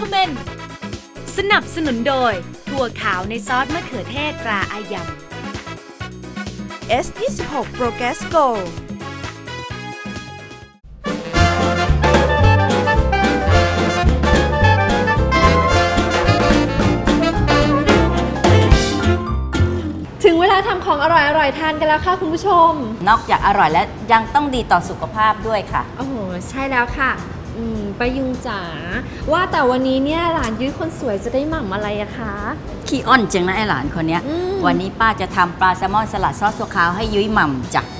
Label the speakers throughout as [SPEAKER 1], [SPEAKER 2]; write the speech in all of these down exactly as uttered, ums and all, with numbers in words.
[SPEAKER 1] recommend สนับสนุนโดยถั่วขาวในซอสมะเขือเทศตราอายัม
[SPEAKER 2] เอส ยี่สิบหก Progress Go
[SPEAKER 3] ถึงเวลาทำของอร่อยๆทานกันแล้วค่ะคุณผู้ชม
[SPEAKER 4] นอกจากอร่อยแล้วยังต้องดีต่อสุขภาพด้วยค่ะ
[SPEAKER 3] โอ้โหใช่แล้วค่ะอืมป้ายุงจ๋าว่าแต่วันนี้เนี่ยหลานยุ้ยคนสวยจะได้หม่ำอะไรอะคะ
[SPEAKER 4] ขี้อ้อนจังนะไอหลานคนนี้วันนี้ป้าจะทำปลาแซลมอนสลัดซอสถั่วขาวให้ยุ้ยหม่ำจ้ะ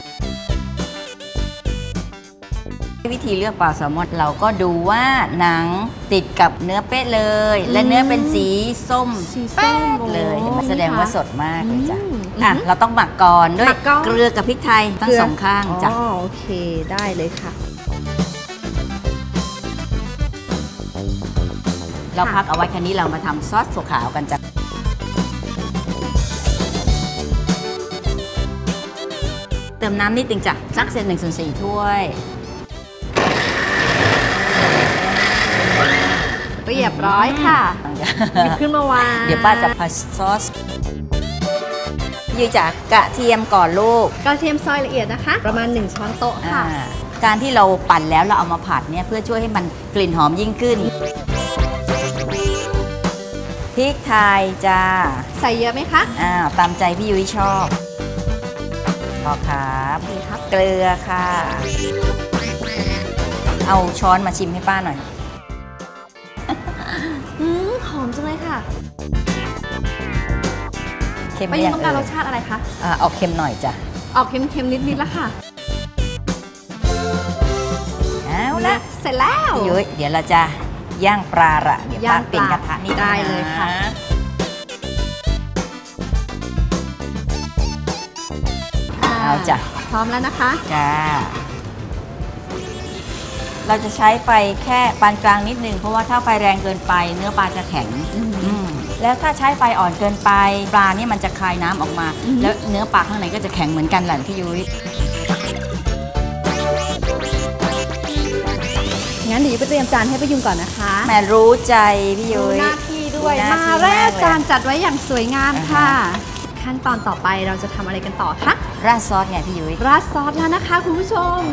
[SPEAKER 4] วิธีเลือกปลาแซลมอนเราก็ดูว่าหนังติดกับเนื้อเป๊ะเลยและเนื้อเป็นสีส้มแป๊ดเลยแสดงว่าสดมากเลยจ้ะอ่ะเราต้องหมักก่อนด้วยเกลือกับพริกไทยทั้งสองข้างจ้ะ
[SPEAKER 3] อ๋อโอเคได้เลยค่ะ
[SPEAKER 4] เราพักเอาไว้แค่นี้เรามาทำซอสถั่วขาวกันจ้ะเติมน้ำนิดนึงจ้ะสักเศษหนึ่งส่วนสี่ถ้วย
[SPEAKER 3] เรียบร้อยค่ะหยิบขึ้นมาวาง
[SPEAKER 4] เดี๋ยวป้าจะผัดซอสยืจากกระเทียมก่อนลูก
[SPEAKER 3] กระเทียมซอยละเอียดนะคะประมาณหนึ่งช้อนโต๊ะค่ะ
[SPEAKER 4] การที่เราปั่นแล้วเราเอามาผัดเนี่ยเพื่อช่วยให้มันกลิ่นหอมยิ่งขึ้นพริกไทยจ้า
[SPEAKER 3] ใส่เยอะไหมคะ
[SPEAKER 4] อ่าตามใจพี่ยุ้ยชอบพอครับเกลือค่ะเอาช้อนมาชิมให้ป้าหน่อย
[SPEAKER 3] อืมหอมจังเลยค่ะ
[SPEAKER 4] เค็ม
[SPEAKER 3] ไปยังต้องการรสชาติอะไรคะ
[SPEAKER 4] อ่าออกเค็มหน่อยจ้ะ
[SPEAKER 3] ออกเค็มๆนิดๆแล้วค่ะ
[SPEAKER 4] เอาละ
[SPEAKER 3] เสร็จแล้ว
[SPEAKER 4] พี่ยุ้ยเดี๋ยวเราจะย่างปลาละเดี๋ยวป้าเปลี่ยนกระทะนี่
[SPEAKER 3] ได้เลยค่ะ
[SPEAKER 4] เอาจ้ะ
[SPEAKER 3] พร้อมแล้วนะคะ
[SPEAKER 4] จ้าเราจะใช้ไฟแค่ปานกลางนิดนึงเพราะว่าถ้าไฟแรงเกินไปเนื้อปลาจะแข็งแล้วถ้าใช้ไฟอ่อนเกินไปปลาเนี่ยมันจะคายน้ำออกมาแล้วเนื้อปลาข้างในก็จะแข็งเหมือนกันแหละพี่ยุ้ย
[SPEAKER 3] งั้นเดี๋ยวไปเตรียมจานให้ป้ายุงก่อนนะคะ
[SPEAKER 4] แม่รู้ใจพี่ยุ้ย
[SPEAKER 3] หน้าที่ด้วยมาแรกจานจัดไว้อย่างสวยงามค่ะขั้นตอนต่อไปเราจะทำอะไรกันต่อคะ
[SPEAKER 4] ราดซอสไงพี่ยุ้ย
[SPEAKER 3] ราดซอสแล้วนะคะคุณผู้ชม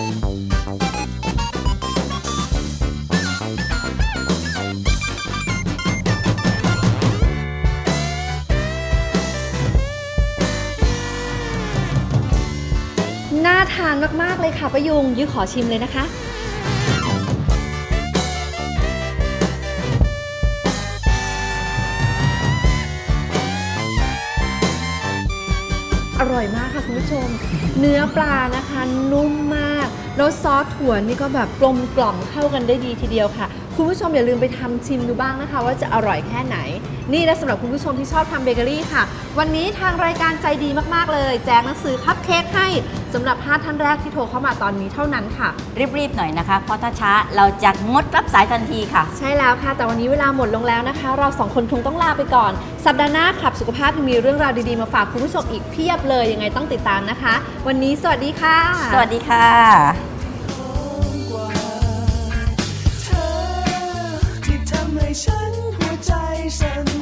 [SPEAKER 3] น่าทานมากๆเลยค่ะป้ายุงยุ้ยขอชิมเลยนะคะอร่อยมากค่ะคุณผู้ชมเนื้อปลานะคะนุ่มมากแล้วซอสถั่วนี่ก็แบบกลมกล่อมเข้ากันได้ดีทีเดียวค่ะคุณผู้ชมอย่าลืมไปทำชิมดูบ้างนะคะว่าจะอร่อยแค่ไหนนี่และสำหรับคุณผู้ชมที่ชอบทำเบเกอรี่ค่ะวันนี้ทางรายการใจดีมากๆเลยแจกหนังสือคัพเค้กให้สำหรับห้าท่านแรกที่โทรเข้ามาตอนนี้เท่านั้นค่ะ
[SPEAKER 4] รีบๆหน่อยนะคะเพราะถ้าช้าเราจะงดรับสายทันทีค่ะ
[SPEAKER 3] ใช่แล้วค่ะแต่วันนี้เวลาหมดลงแล้วนะคะเราสองคนคงต้องลาไปก่อนสัปดาห์หน้าคลับสุขภาพมีเรื่องราวดีๆมาฝากคุณผู้ชมอีกเพียบเลยยังไงต้องติดตามนะคะวันนี้สวัสดีค่ะ
[SPEAKER 4] สวัสดีค่ะ
[SPEAKER 5] ฉันหัวใจสั่น